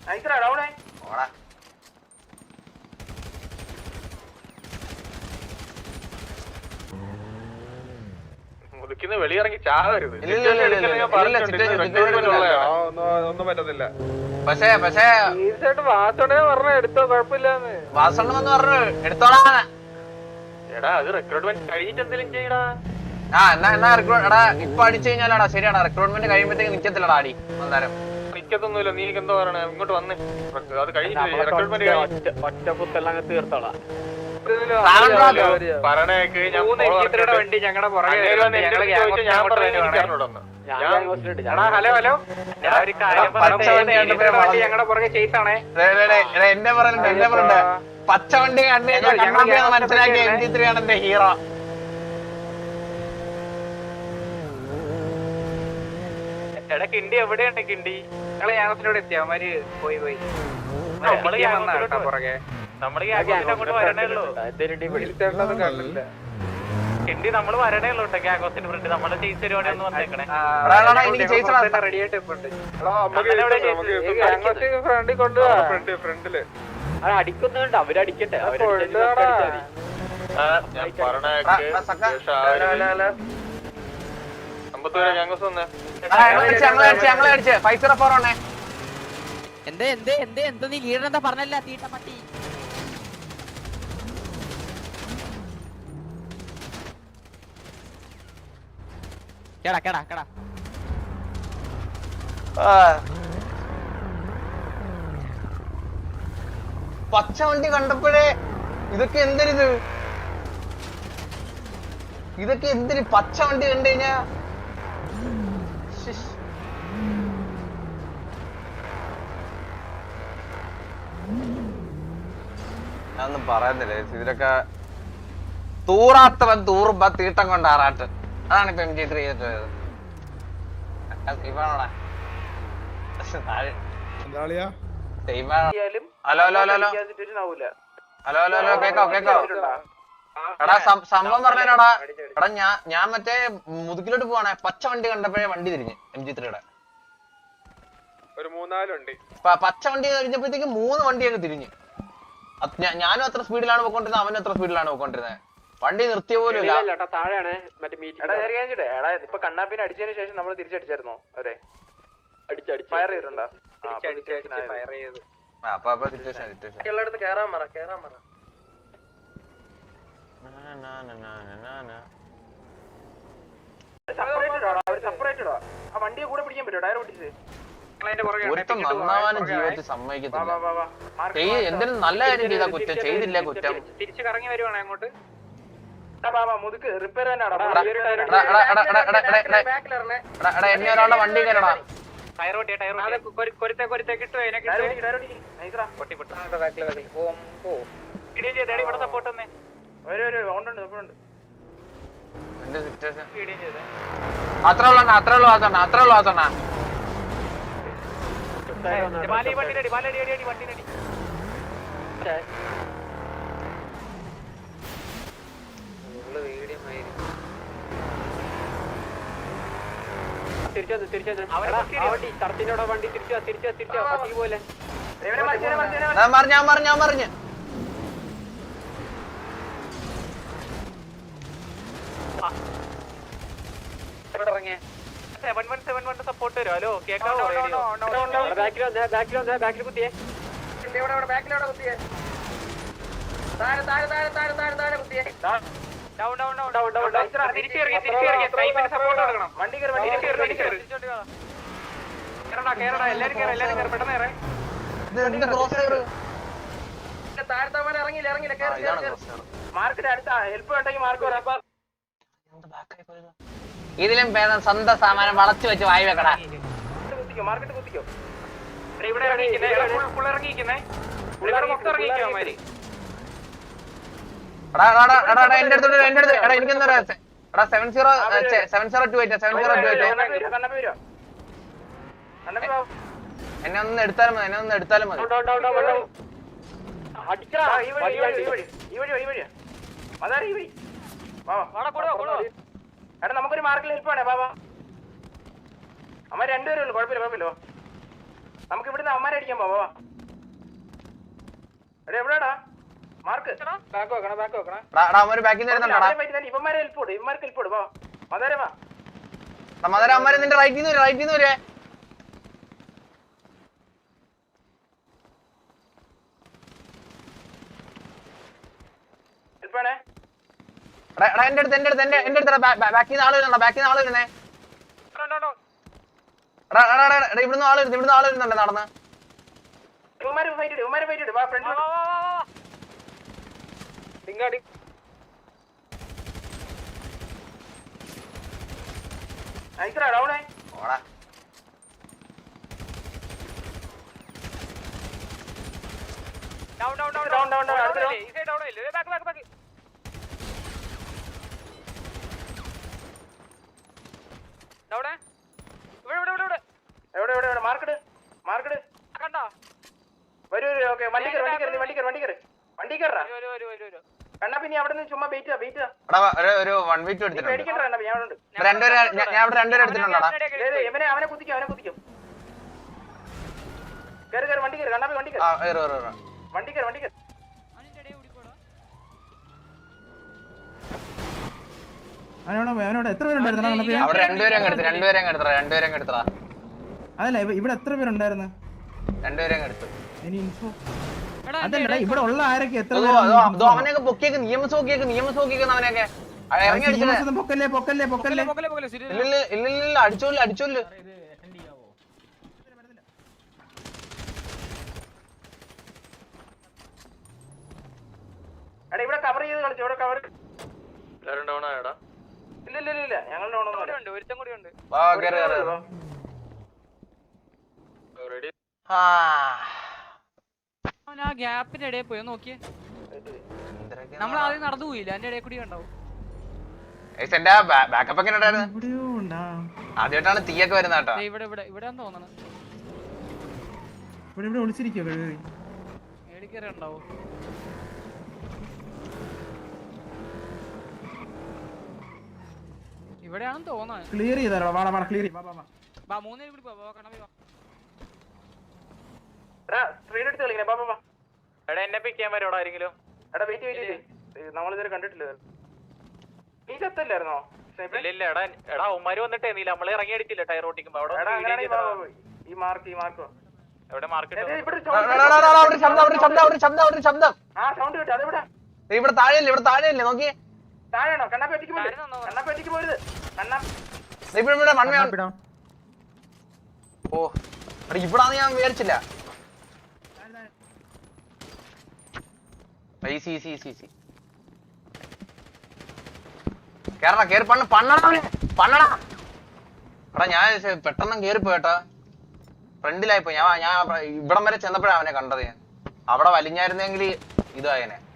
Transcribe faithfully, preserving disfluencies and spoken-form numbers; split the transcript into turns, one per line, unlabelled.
മുതുക്കിന്ന് വെളിയിറങ്ങി ചാവരുത്. ഒന്നും പറ്റത്തില്ല.
പക്ഷേ പക്ഷേ
വാസോടെ പറഞ്ഞ എടുത്തോ, കുഴപ്പമില്ലാന്ന്.
വാസണ്ണം എന്ന് പറഞ്ഞു എടുത്തോളാ.
എടാ അത് റിക്രൂട്ട്മെന്റ് കഴിഞ്ഞിട്ട് എന്തെങ്കിലും ചെയ്യടാ.
ആ എന്നാ എന്നാ റിക്രൂട്ട് എടാ ഇപ്പൊ അടിച്ചു കഴിഞ്ഞാലാടാ ശരിയാടാ. റിക്രൂട്ട്മെന്റ് കഴിയുമ്പോഴത്തേക്ക് നിക്കത്തില്ലടാ അടി. അന്നേരം
നിക്കത്തൊന്നുമില്ല. നീ എന്തോ പറയണേ, ഇങ്ങോട്ട് വന്ന് അത് കഴിഞ്ഞിട്ട് റിക്രൂട്ട്മെന്റ് ഒറ്റപ്പുത്തെല്ലാം തീർത്തോളാം. പറഞ്ഞേക്ക് വണ്ടി ഞങ്ങളുടെ പുറകെ. ഹലോ ഹലോ ഞങ്ങളുടെ പുറകെ ചേസാണേ.
എന്നെ പറഞ്ഞിട്ട് എന്നെ പറഞ്ഞിട്ട് പച്ച വണ്ടി കണ്ടു കഴിഞ്ഞാൽ മനസ്സിലാക്കി എം ജി ത്രീ ആണ് എന്റെ ഹീറോ.
എടാ കിണ്ടി എവിടെയുണ്ട്? കിണ്ടി ഞങ്ങള് ഗ്യാങ്സിലൂടെ എത്തി. അവന്മാര് പോയി പോയി പുറകെ. നമ്മള് അങ്ങോട്ട് വരണേ ഉള്ളൂ. കിണ്ടി നമ്മള് വരണേ ഉള്ളൂ കേട്ടോ. ഗ്യാങ്കോസിന്റെ ഫ്രണ്ട് നമ്മളെ ചേസ് പരിപാടി ഒന്ന് വന്നേക്കണേ. റെഡി ആയിട്ട് ഫ്രണ്ടിൽ കൊണ്ടുപോവാ. ഫ്രണ്ടില് അടിക്കുന്നുണ്ട്. അവരടിക്കട്ടെ.
എന്തേ എന്തേ എന്തേ എന്താ നീ ലീഡർ എന്താ പറഞ്ഞല്ല തീട്ട പട്ടി. കേടാ കേടാ കേടാ
പച്ച വണ്ടി കണ്ടപ്പോഴേ ഇതൊക്കെ എന്തൊരിത്, ഇതൊക്കെ എന്തിന് പച്ച വണ്ടി കണ്ടു കഴിഞ്ഞാ ഞാനൊന്നും പറയുന്നില്ല. ഇതിലൊക്കെ തൂറാത്തവൻ തൂറുമ്പ തീട്ടം കൊണ്ടാറാട്ട്. അതാണ് ഇപ്പൊ എം ജി ത്രീ ചെയ്തത്. Hello hello hello hello hello hello കേക്കോ കേക്കോ എടാ സംഭവം പറഞ്ഞോടാ. എടാ ഞാൻ ഞാൻ മറ്റേ മുതുക്കിലോട്ട് പോവാണേ. പച്ച വണ്ടി കണ്ടപ്പോഴേ വണ്ടി തിരിഞ്ഞ് എം ജി ത്രീയുടെ
ഒരു മൂന്നാലുണ്ട്.
പച്ച വണ്ടി കഴിഞ്ഞപ്പോഴത്തേക്ക് മൂന്ന് വണ്ടി അങ്ങ് തിരിഞ്ഞ്. ഞാനും അത്ര സ്പീഡിലാണ് പോയിക്കൊണ്ടിരുന്നത്, അവനും അത്ര സ്പീഡിലാണ് പോയിക്കൊണ്ടിരുന്നത്. വണ്ടി നിർത്തിയ പോലും ഇല്ല.
താഴെയാണ് മറ്റേ മീറ്റിംഗ്. എടാ ഇപ്പൊ കണ്ണാപ്പിനെ അടിച്ചതിന് ശേഷം നമ്മൾ തിരിച്ചടിച്ചായിരുന്നോ അവരെ? ഫയർ ചെയ്തിട്ടുണ്ടോ? എല്ലായിടത്ത് കേറാൻ പറ കേറാൻ പറ. സെപ്പറേറ്റഡോ? ആ വണ്ടിയെ കൂടെ പിടിക്കാൻ പറ്റുമോ? ടയർ പൊട്ടിച്ച്
ഒരുത്തം നന്നാവാനും ജീവിതത്തിൽ സമ്മതിക്കത്തില്ല. എന്തിനും നല്ല കാര്യം ചെയ്താ കുറ്റം, ചെയ്തില്ല കുറ്റം.
തിരിച്ചു കറങ്ങി വരുവാണ് അങ്ങോട്ട്. റിപ്പയർ
എന്നെ ഒരാളുടെ വണ്ടി കയറടാ. അത്ര ഉള്ള അത്ര ഉള്ളു ആസണ്ണ അത്ര ഉള്ളു ആസണ്ണ ഞാൻ പറഞ്ഞു ഞാൻ പറഞ്ഞു
സപ്പോർട്ട് വരും. ഹലോ കേക്കാവോ? കുത്തിയേ
ഇതിലും ഭേദം സ്വന്തം സാമാനം വളച്ചു വെച്ച് വായി വെക്കടാ.
മാർക്കറ്റ് കുത്തിക്കോ. ഇവിടെ ഇറങ്ങിയിരിക്കുന്നേ
എന്റെ അടുത്തോട്ട് എന്റെ അടുത്ത് എടാ എനിക്കെന്താ എടാ seven zero seven zero two eight seven zero two eight എന്നെ ഒന്ന് എടുത്താലും മതി, എന്നെ ഒന്ന് എടുത്താലും മതി.
എടാ നമുക്കൊരു മാർക്കിൽ ഹെൽപ്പ് വേണേ ബാബാ. അമ്മ രണ്ടുപേരും ഉള്ളു, കുഴപ്പമില്ല കുഴപ്പമില്ല. നമുക്ക് ഇവിടുന്ന് അവന്മാരെ അടിക്കാൻ പോവാ. എടാ എവിടെടാ മാർക്ക്? ബാക്ക് വെക്കണം, ബാക്ക് വെക്കണം.
ബാക്കിൽ നിന്ന്
ഇവന്മാരെ ഹെൽപ്പ് കൊടു, ഇവന്മാർക്ക് ഹെൽപ്പ് കൊടു. മതാര വാ.
മദാര അമ്മമാരെ നിന്റെ റൈറ്റിൽ നിന്ന് റൈറ്റിൽ നിന്ന് വരെ.
ഹെൽപ്പാണേ.
എന്റെ അടുത്ത് എന്റെ അടുത്ത് എന്റെ എന്റെ അടുത്ത് ബാക്കിൽ നിന്ന് ആള് വരുന്നുണ്ടോ? ബാക്കിൽ നിന്ന് ആള് വരുന്നേ. ഇവിടുന്ന് ആള് വരുന്നു, ഇവിടുന്ന് ആള് വരുന്നുണ്ട് നടന്ന്.
ഇവന്മാരെ ഫൈറ്റ് ഇട്, ഇവന്മാരെ ഫൈറ്റ് ഇട്. വാ ഫ്രണ്ട് ഇങ്ങാടി. അയക്കടാ ഡൗണേ.
ഓടാ.
Down down down down down down. ഈ സൈഡ് ഡൗൺ ഇല്ല. Back back back. ഡൗണേ. ഇവിടെ ഇവിടെ ഇവിടെ. എവിടെ എവിടെ എവിടെ മാർക്കറ്റ്? മാർക്കറ്റ് കണ്ടോ? വരൂ വരൂ. ഓക്കേ വണ്ടി കയറ്, വണ്ടി കയറ്, വണ്ടി കയറ്, വണ്ടി കയറ്. വണ്ടി കയറാ. വരൂ വരൂ വരൂ വരൂ. കണ്ണാ പിന്നെ അവിടെ നിന്ന് ചുമ്മാ വെയിറ്റ് വെയിറ്റ്.
എടാ ഒരു വൺ വീക്ക് എടുത്തിട്ടുണ്ട്.
പേടിക്കണ്ട കണ്ണാ, ഞാൻ അവിടെ ഉണ്ട്.
രണ്ടുപേരെ ഞാൻ അവിടെ രണ്ടുപേരെ എടുത്തിട്ടുണ്ടോടാ?
ഇവനെ അവനെ കുത്തിക്കും, അവനെ കുത്തിക്കും. കേറ് കേറ് വണ്ടി കയറ്. കണ്ണാ വണ്ടി കയറ്.
ആ ഏറ് ഏറ് ഏറ്.
വണ്ടി കയറ്, വണ്ടി കയറ്.
എത്ര പേരുണ്ടായിരുന്നു?
അവിടെ രണ്ടുപേരെ എടുത്ത് രണ്ടുപേരെ എടുത്തടാ രണ്ടുപേരെ എടുത്തടാ.
അതല്ല ഇവിടെ എത്ര പേരുണ്ടായിരുന്നു?
രണ്ടുപേരെ എടുത്തു.
ഇനി ഇൻഫോ അതല്ല ഇവിടെ ഉള്ള ആരൊക്കെ എത്ര
അവനെയൊക്കെ പൊക്കിയേക്ക് നിയമസ് പൊക്കിയേക്ക് നിയമസ് പൊക്കിയേക്കുന്ന അവനെയൊക്കെ ഇറങ്ങി അടിച്ചത്.
പൊക്കല്ലേ പൊക്കല്ലേ പൊക്കല്ലേ.
ഇല്ലില്ല ഇല്ലില്ല അടിച്ചോല്ല അടിച്ചോല്ല.
എടാ ഇവിടെ കവർ ചെയ്ത് കളിച്ചു, ഇവിടെ കവർ. എല്ലാരും ഡൗൺ ആയടാ? ഇല്ല ഇല്ല ഇല്ല ഞങ്ങൾ ഡൗൺ ഒന്നും. ഒരുത്തം കൂടി ഉണ്ട്.
വാ കേറ് കേറ്.
റെഡി.
ആ
ആ ഗ്യാപ്പിന്റെ ഇടയിൽ പോയി നോക്കിയേ. നമ്മൾ ആദ്യം നടന്നു പോയില്ല, അതിന്റെ ഇടയിൽ കൂടി ഉണ്ടാവും.
എന്റെ ബാക്കപ്പ് ഒക്കെ ഉണ്ടായിരുന്നു. ആദ്യമായിട്ടാണ് തീയൊക്കെ വരുന്ന കേട്ടോ.
ഇവിടെ ഇവിടെ ഇവിടെ തോന്നണം.
ഇവിടെ ഇവിടെ ഒളിച്ചിരിക്കോ?
മേടിക്കേറി ഉണ്ടാവോ? ഇവിടെയാണെന്ന് തോന്നാൻ.
ക്ലിയർ ചെയ്താലോ? വാടാ വാടാ ക്ലിയർ ചെയ്യ്. വാ വാ
വാ മൂന്നേ കൂടി പോ. കണ്ണാ വാ.
എടാ സ്ക്രീൻ എടുത്ത് കളിക്കണേ. ബാ ബാ. എടാ എന്നെ പിക്ക് ചെയ്യാൻ വരോടാ ആരെങ്കിലും? എടാ വെയിറ്റ് വെയിറ്റ്. നമ്മൾ ഇതുവരെ കണ്ടിട്ടില്ല. നീ ചത്തല്ലായിരുന്നോ? ഇല്ല ഇല്ല. എടാ എടാ ഉമ്മാര് വന്നിട്ടേ നീ നമ്മളെ ഇറങ്ങി അടിച്ചില്ല ടയർ ഓട്ടിക്കുമ്പോ. അവിടെ ഈ മാർക്ക് ഈ മാർക്ക് എവിടെ മാർക്ക്? ആ സൗണ്ട് കേട്ടോ. അതെവിടെ?
ഇവിടെ താഴെയല്ലേ ഇവിടെ താഴെയല്ലേ നോക്കിയേ.
താഴെയാണോ? കണ്ണാപ്പേറ്റിക്ക് പോയി. കണ്ണാപ്പേറ്റിക്ക് പോയത്. കണ്ണാ
ഇവിടെ ഇവിടെ മണ്ണ്. ഓ ഇവിടാന്ന് ഞാൻ വിചാരിച്ചില്ല. കേരള കേറി പണ്ണ പണ്ണടാ പണ്ണടാ. എടാ ഞാൻ പെട്ടെന്ന് കേറിപ്പോയേട്ടാ. ഫ്രണ്ടിലായിപ്പോ ഞാൻ ഞാൻ ഇവിടം വരെ ചെന്നപ്പോഴാണ് അവനെ കണ്ടത്. ഞാൻ അവിടെ വലിഞ്ഞായിരുന്നെങ്കിൽ ഇതായനെ.